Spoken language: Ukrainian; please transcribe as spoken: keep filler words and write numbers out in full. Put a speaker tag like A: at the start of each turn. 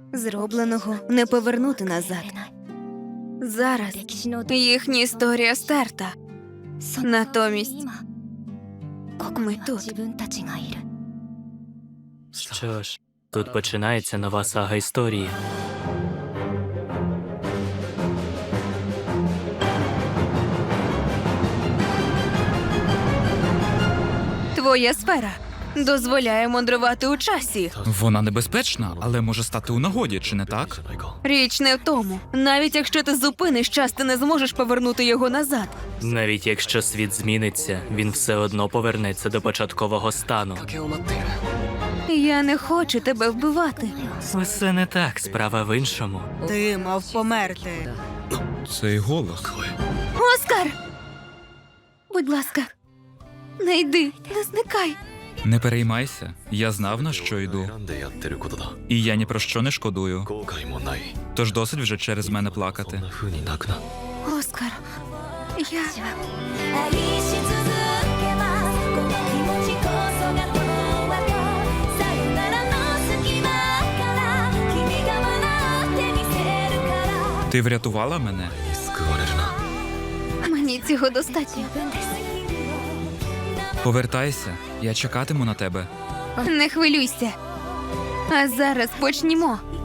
A: Зробленого не повернути назад. Зараз їхня історія стерта. Натомість ми тут.
B: Що ж, тут починається нова сага історії.
A: Твоя сфера дозволяє мандрувати у часі.
C: Вона небезпечна, але може стати у нагоді, чи не так?
A: Річ не в тому. Навіть якщо ти зупиниш час, ти не зможеш повернути його назад.
B: Навіть якщо світ зміниться, він все одно повернеться до початкового стану.
A: Я не хочу тебе вбивати.
B: Усе не так, справа в іншому.
D: Ти мав померти.
C: Цей голос.
A: Оскар! Будь ласка, не йди, не зникай.
C: Не переймайся, я знав, на що йду. І я ні про що не шкодую. Тож досить вже через мене плакати.
A: Оскар, я...
E: 愛し続けますこの気持ちこそがこの輪とさよならの隙間から君が笑ってみせるから
C: Ти врятувала мене?
A: Мені цього достатньо.
C: Повертайся, я чекатиму на тебе.
A: Не хвилюйся. А зараз почнімо.